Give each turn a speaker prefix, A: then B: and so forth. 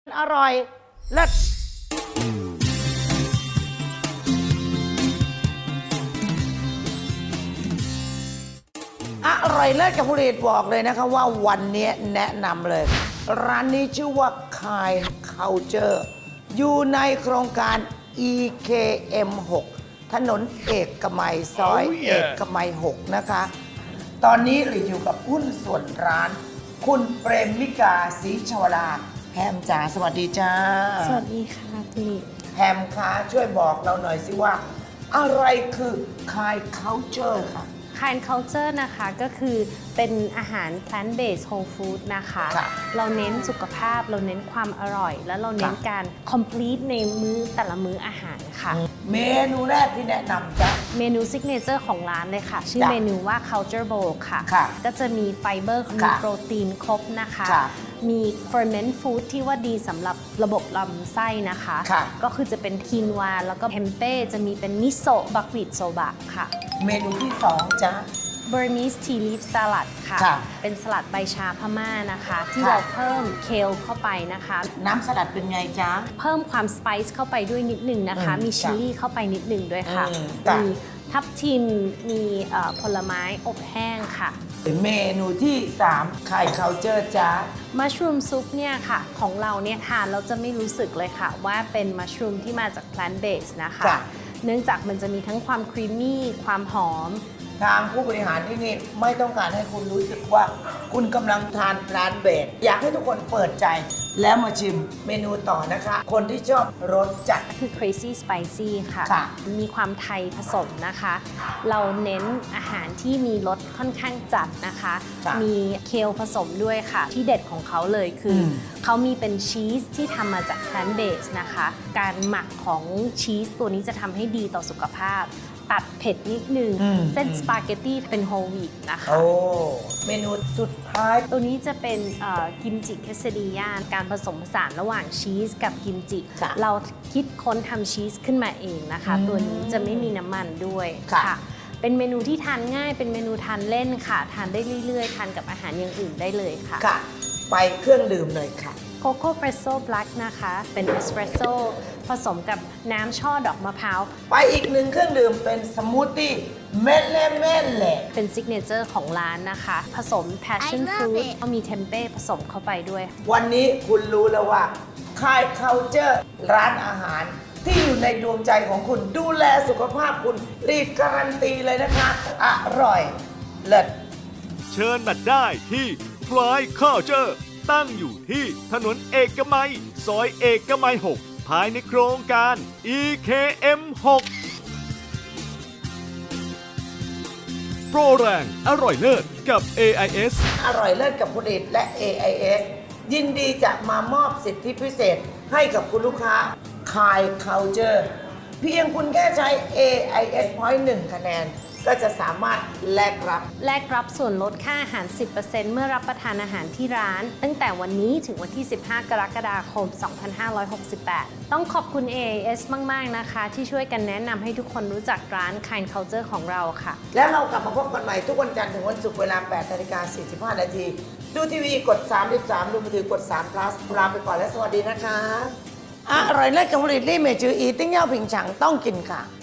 A: อร่อยเลิศอร่อยเลิศกับผลิตบอกเลยนะคะว่าวันนี้แนะนำเลย ร้านนี้ชื่อว่า Kind Culture อยู่ในโครงการ EKM 6 ถนนเอกมัยซอยเอกมัย 6 นะคะ ตอนนี้เราอยู่กับหุ้นส่วนร้าน คุณเปรมมิกาศรีชวราแฮมจ๋าสวัสดีจ้า
B: สวัสดีค่ะคุณลิ
A: แฮมคะช่วยบอกเราหน่อยสิว่า อะไรคือ Kind Culture ค่ะ
B: Kind Culture นะคะก็คือเป็นอาหาร plant based whole food นะคะ
A: ค่ะ
B: เราเน้นสุขภาพเราเน้นความอร่อย และเราเน้น
A: ค่ะ
B: การ complete ในมื้อแต่ละมื้ออาหารค่ะ
A: เมนูแรกที่แนะนำจ้ะ
B: เมนูซิกเนเจอร์ของร้านเลยค่ะ ชื่อ
A: จ้ะ
B: เมนูว่า Culture Bowl ค่ะ
A: ค่ะ
B: ก็จะมีไฟเบอร์มี
A: ค่ะ
B: โปรตีนครบนะคะ
A: ค่ะ
B: มี ferment food ที่ว่าดีสำหรับระบบลำไส้นะคะ
A: ค่ะ
B: ก็คือจะเป็นคีนวาแล้วก็เทมเป้จะมีเป็นมิโซะบักวีดโซบะค่ะ
A: เมนูที่ 2จ้ะ
B: Burmese tea leaf salad ค่ะ
A: ค่ะ
B: เป็นสลัดใบชาพม่านะคะ ที่
A: ค่ะ
B: เราเพิ่มเคลเข้าไปนะคะ
A: น้ำสลัดเป็นไงจ๊ะ
B: เพิ่มความสไปซ์เข้าไปด้วยนิดหนึ่งนะคะ
A: อืม
B: มีชิลลี่เข้าไปนิดหนึ่งด้วยค่ะ
A: จ้ะ
B: มีทับทิม มีผลไม้อบแห้งค่ะ
A: เมนูที่ 3 Kind Culture จ้ะ
B: มัชรูมซุปเนี่ยค่ะ ของเราเนี่ยทานเราจะไม่รู้สึกเลยค่ะ ว่าเป็นมัชรูมที่มาจาก plant based นะคะ
A: จ้ะ
B: เนื่องจากมันจะมีทั้งความครีมมี่ความหอม
A: ทางผู้บริหารที่นี่ไม่ต้องการให้คุณรู้สึกว่า คุณกำลังทานร้านเบสอยากให้ทุกคนเปิดใจ แล้วมาชิมเมนูต่อนะคะ คนที่ชอบรสจัด
B: คือ crazy spicy ค่ะ
A: ค่ะ
B: มีความไทยผสมนะคะ เราเน้นอาหารที่มีรสค่อนข้างจัดนะคะ
A: ค่ะ
B: มีเคลผสมด้วยค่ะ ที่เด็ดของเขาเลยคืออ
A: ม
B: เขามีเป็นชีสที่ทำมาจาก plant based นะคะ การหมักของชีสตัวนี้จะทำให้ดีต่อสุขภาพ ตัดเผ็ดนิดนึง เส้นสปาเกตตี้เป็นโฮลวีตนะคะ
A: โอ้เมนูสุดท้าย
B: ตัวนี้จะเป็นกิมจิเคสดิยาการผสมผสานระหว่างชีสกับกิมจิ
A: ค่ะ
B: เราคิดค้นทำชีสขึ้นมาเองนะคะ ตัวนี้จะไม่มีน้ำมันด้วย
A: ค่ะ
B: เป็นเมนูที่ทานง่าย เป็นเมนูทานเล่นค่ะ ทานได้เรื่อยๆ ทานกับอาหารอย่างอื่นได้เลยค่ะ
A: ค่ะ ไปเครื่องดื่มเลยค่ะ
B: โคโค่เ e รสโซ่บลั k นะคะ เป็นเอสเปรสโซ่ผสมกับน้ำช่อดอกมะพร้าว
A: ไปอีกหนึ่งเครื่องดื่มเป็นสมูทตี้เม็ดเล่เม็ดแหละ
B: เป็นซิกเนเจอร์ของร้านนะคะ ผสม passion
C: I love
B: fruit
C: it
B: ก็มีเทมเป้ผสมเข้าไปด้วย
A: วันนี้คุณรู้แล้วว่า Kind Culture ร้านอาหาร ที่อยู่ในดวงใจของคุณดูแลสุขภาพคุณรีดการันตีเลยนะคะ อร่อยเลิศ
D: เชิญมาได้ที่ Fly Culture ตั้งอยู่ที่ถนนเอกมัย ซอยเอกมัย 6 ภายในโครงการ EKM 6 โปรแรงอร่อยเลิศกับ AIS
A: อร่อยเลิศกับผลิตและ AIS ยินดีจะมามอบสิทธิพิเศษให้กับคุณลูกค้า Kind Culture เพียงคุณแค่ใช้ AIS Point 1 คะแนน ก็จะสามารถแลกรับ
B: แลกรับส่วนลดค่าอาหาร 10% เมื่อรับประทานอาหารที่ร้าน ตั้งแต่วันนี้ถึงวันที่ 15 กรกฎาคม 2568 ต้องขอบคุณ AIS มาก ๆ นะคะ ที่ช่วยกันแนะนำให้ทุกคนรู้จักร้าน Kind Culture ของเราค่ะ
A: แล้วเรากลับมาพบกันใหม่ทุกวันจันทร์ถึงวันศุกร์เวลา 8:45 นาที ดูทีวีกด 33 ดูมือถือกด3 plus ลาไปก่อนและสวัสดีนะคะ อร่อยเลิศกับผลิตรี่เมจืออีติ้งเย่าผิงฉังต้องกินค่ะ